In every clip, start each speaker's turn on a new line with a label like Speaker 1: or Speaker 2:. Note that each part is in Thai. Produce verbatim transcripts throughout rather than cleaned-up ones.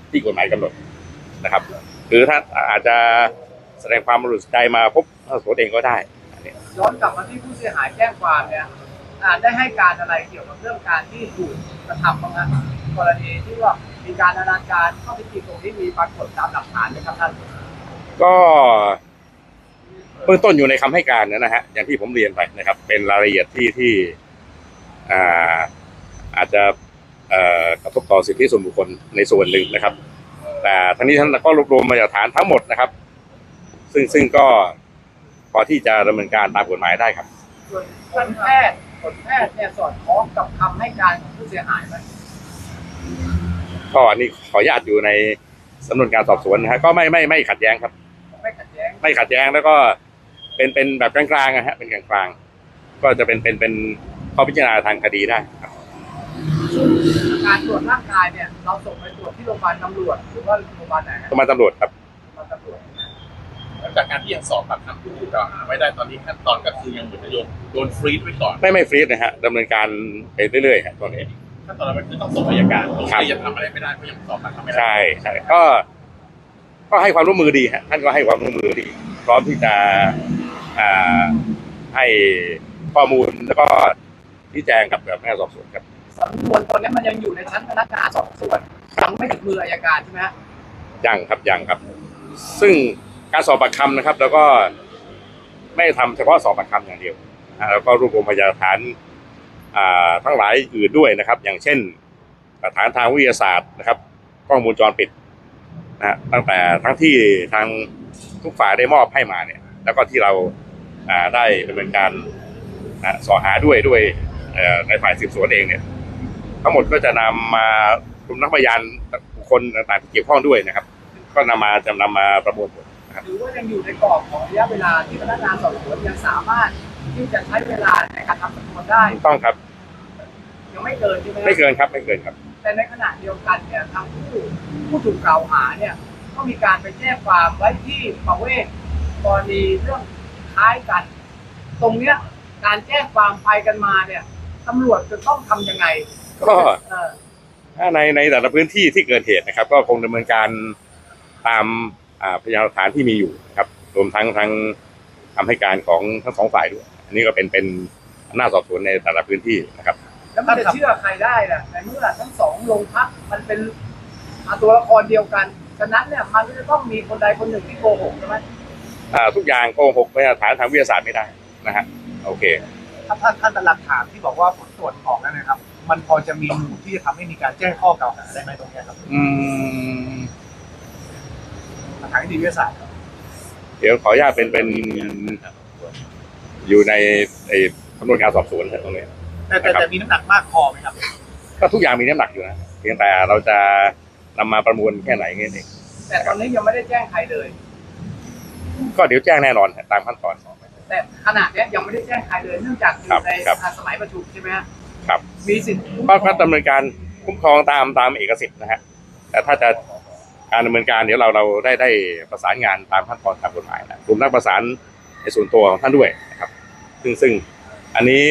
Speaker 1: ที่กฎหมายกำหนดนะครับหรือถ้าอาจจะแสดงความบริสุทธิ์ใจมาพบสอบสวนเองก็ได้
Speaker 2: ย้อนกลับมาที่ผู้เสียหายแจ้งความเนี่ยได้ให้การอะไรเกี่ยวกับเรื่องการที่ถูกกระทำบ้างนะกรณีที่ว่ามีการอนาจารข้อเท็จจริงตรงนี้มีปรากฏตามหลักฐานไหมครับท่าน
Speaker 1: ก็เบื้องต้นอยู่ในคำให้การนะฮะอย่างที่ผมเรียนไปนะครับเป็นรายละเอียดที่ที่อ่าอาจจะกระทบต่อสิทธิส่วนบุคคลในส่วนหนึ่งนะครับแต่ทั้งนี้ทั้งนั้นก็รวบรวมมาจากฐานทั้งหมดนะครับซึ่งซึ่งก็พอที่จะดำเนินการตามกฎหมายได้ครับ
Speaker 2: ส่วนผลแพทย์ผลแพทย์เนี่ยสอดคล้องกับคำให้การของผู้เสียหายไหม
Speaker 1: ก็อันนี้ขออนุญาตอยู่ในสำนวนการสอบสวนนะฮะก็ไม่ไม่ไม่ขัดแย้งครับ
Speaker 2: ไม่ขัดแย้ง
Speaker 1: ไม่ขัดแย้งแล้วก็เป็นเป็นแบบกลางๆนะฮะเป็นกลางๆก็จะเป็นเป็นเป็นข้อพิจารณาทางคดีได้ครับ
Speaker 2: การตรวจร่างกายเนี่ยเราส่งไปตรวจที่โรงพยาบาลตำรวจหรือว่าโรงพยาบาลไหน
Speaker 1: โรงพยาบาลตำรวจครับ
Speaker 2: โรงพยาบาลตำรวจ
Speaker 3: จากการที่ยังสอบปากคำผู้ถูกกล่าวหาไว้ได้ตอนนี้ขั้นตอนก็คือยังเหมือนจะโยนโดนฟรีซไว้ก่อน
Speaker 1: ไม่ไม่ฟรีซนะฮะดำเนินการไปเรื่อยๆครับตอนนี้
Speaker 3: ขั้นตอนนั้นคือต้องส่งอัยการตรงนี้ยังทำอะไรไม่ได้เพราะยังสอบปากคำไม่ได้
Speaker 1: ใช่ใช่ก็ก็ให้ความร่วมมือดีฮะท่านก็ให้ความร่วมมือดีพร้อมที่จะอ่าให้ข้อมูลแล้วก็ชี้แจงกับแบบพนักงานสอบสวนครับ
Speaker 2: สำนวนตอนนี้มันยังอยู่ในชั้นพนักงานสอบสวนยังไม่ถึงมืออัยการใช่ไหมฮะ
Speaker 1: ยังครับยังครับซึ่งการสอบปากคำนะครับแล้วก็ไม่ทำเฉพาะสอบปากคำอย่างเดียวแล้วก็รวบรวมพยานหลักฐานทั้งหลายอื่นด้วยนะครับอย่างเช่นหลักฐานทางวิทยาศาสตร์นะครับกล้องวงจรปิดนะตั้งแต่ทั้งที่ทางทุกฝ่ายได้มอบให้มาเนี่ยแล้วก็ที่เราได้ดำเนินการสอบหาด้วยด้วยในฝ่ายสืบสวนเองเนี่ยทั้งหมดก็จะนำมารวมทั้งพยานบุคคลต่างๆที่เกี่ยวข้องด้วยนะครับก็นำมาจะนำมาประมวลผล
Speaker 2: หรือว่ายังอยู่ในกรอบของระยะเวลาที่พนักงานสอบสวนยังสามารถที่จะใช้เวลาในการทำสำนวนได้
Speaker 1: ต้องครับ
Speaker 2: ยังไม่เกินใช่ไหม
Speaker 1: ไม่เกินครับไม่เกินครับ
Speaker 2: แต่ในขณะเดียวกันเนี่ยทางผู้ผู้ถูกกล่าวหาเนี่ยก็มีการไปแจ้งความไว้ที่ประเวศกรณีเรื่องคล้ายกันตรงเนี้ยการแจ้งความไปกันมาเนี่ยตำรวจจะต้องทำยังไง
Speaker 1: ก็ถ้าในในแต่ละพื้นที่ที่เกิดเหตุนะครับก็คงดำเนินการตามพยานหลักฐานที่มีอยู่ครับรวมทั้งทั้งคำให้การของทั้งสองฝ่ายด้วยอันนี้ก็เป็นเป็นอำนาจสอบสวนในแต่ละพื้นที่นะครับ
Speaker 2: แล้วมันจะเชื่อใครได้ล่ะในเมื่อทั้งสองโรงพักมันเป็นตัวละครเดียวกันฉะนั้นเนี่ยมันจะต้องมีคนใดคนหนึ่งที่โกหกใช่ไหม
Speaker 1: ทุกอย่างโกหกพยานหลักฐานทางวิทยาศาสตร์ไม่ได้นะฮะโอเค
Speaker 4: ท่านท่านท่านหลักฐานที่บอกว่าผลตรวจออกแล้วนะครับมันพอจะมีมูลที่จะทำให้มีการแจ้งข้อกล่าวหาได้ไหมตรงนี้ครับ
Speaker 1: อืม
Speaker 4: ทางนิติวิทยาศาสตร์
Speaker 1: เดี๋ยวขออนุญาตเป็นเป็นอยู่ในไอ้สำนวนการสอบสวนตรงนี้
Speaker 4: แต่แต่แต่มีน้ำหนักมากพอไหมครับ
Speaker 1: ก็ทุกอย่างมีน้ำหนักอยู่นะเพียงแต่เราจะนำมาประมวลแค่ไหนเงี้ยเอง
Speaker 2: แต่ตอนนี้ยังไม่ได้แจ้งใครเลย
Speaker 1: ก็เดี๋ยวแจ้งแน่นอนตามขั้นตอน
Speaker 2: แต่ขณะนี้ยังไม่ได้แจ้งใครเลยเนื่องจากอยู่ในสมัยประชุมใช่ไหม
Speaker 1: ครับ
Speaker 2: มีสิทธิ์
Speaker 1: ก็ดำเนินการคุ้มครองตามตามเอกสิทธิ์นะฮะแต่ถ้าจะการดำเนินการเดี๋ยวเราเราได้ได้ประสานงานตามขั้นตอนตามกฎหมายนะรวมทั้งประสานในส่วนตัวของท่านด้วยนะครับซึ่งซึ่งอันนี้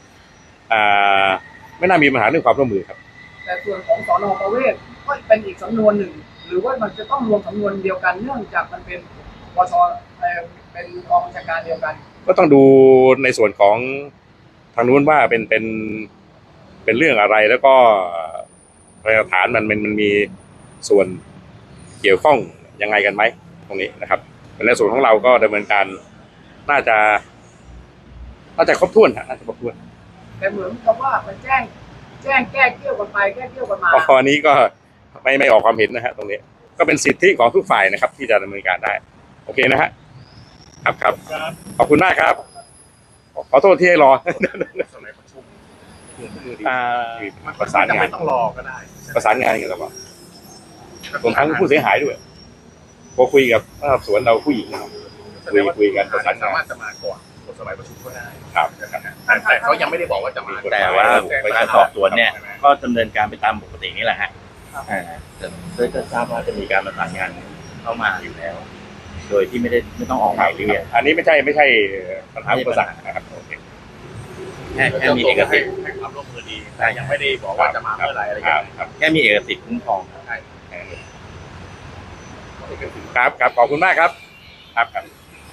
Speaker 1: ไม่น่ามีปัญหาเรื่องความร่วมมือครับ
Speaker 2: แต่ส่วนของสน.ประเวศก็เป็นอีกสำนวนหนึ่งหรือว่ามันจะต้องรวมสำนวนเดียวกันเนื่องจากมันเป็นปช.เป็นกองบัญชาการเดียวกัน
Speaker 1: ก็ต้องดูในส่วนของทางนู้นว่าเป็นเป็นเป็นเรื่องอะไรแล้วก็พยานหลักฐานมันมันมันมีส่วนเกี่ยวข้องยังไงกันไหมตรงนี้นะครับในส่วนของเราก็ดำเนินการน่าจะน่าจะครบถ้วนน่าจะครบถ้วน
Speaker 2: แต่เหมือนกับว่ามันแจ้งแจ้งแก้เกี่ยวกันไปแก้เกี่ยวกันมา
Speaker 1: ตอนนี้ก็ไม่ไม่ออกความเห็นนะฮะตรงนี้ก็เป็นสิทธิของทุกฝ่ายนะครับที่จะดำเนินการได้โอเคนะฮะครับครับขอบคุณมากครับขอโทษที่ให้รอประสานงาน
Speaker 4: ต้องรอก็ได้
Speaker 1: ประสานงานกันแล้วก็รวมทั้งผู้เสียหายด้วยพอคุยกับสวนเราผู้หญิงคุยคุยกันประสานงาน
Speaker 3: สามารถจะมาก่อนสมัยประชุมก็ได้
Speaker 1: ครับ
Speaker 3: แต่เขายังไม่ได้บอกว่าจะมา
Speaker 5: แต่ว่าการสอบสวนเนี่ยก็ดำเนินการไปตามปกตินี่แหละฮะโดยจะทราบว่าจะมีการประสานงานเข้ามาอยู่แล้วโดยที่ไม่ได้ไม่ต้องออกหมายเรียก
Speaker 1: อันนี้ไม่ใช่ไม่ใช่ปัญหาอุปสรรคนะครับ
Speaker 5: แค่แค่มีเอกสิทธิ์
Speaker 3: ให้ความร่วมมือดีแต่ยังไม่ได้บอกว่าจะมาเมื่อไรอะไรอย่างเงี้ย
Speaker 5: แค่มีเอกสิทธิ์คุ้มครอง
Speaker 3: ใช่
Speaker 1: ครับครับขอบคุณมากครับครับครับ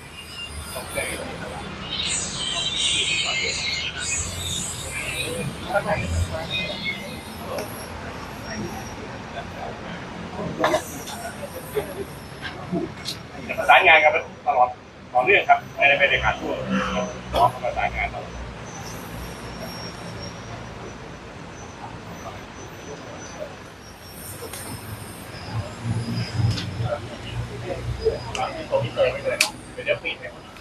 Speaker 1: ประสานงานกันตลอดต่อเนื่องครับไม่ได้ไม่ได้ขาดช่วงต่อประสานงานตลอดตรงนี้เลยไม่เลยเดี๋ยวปิด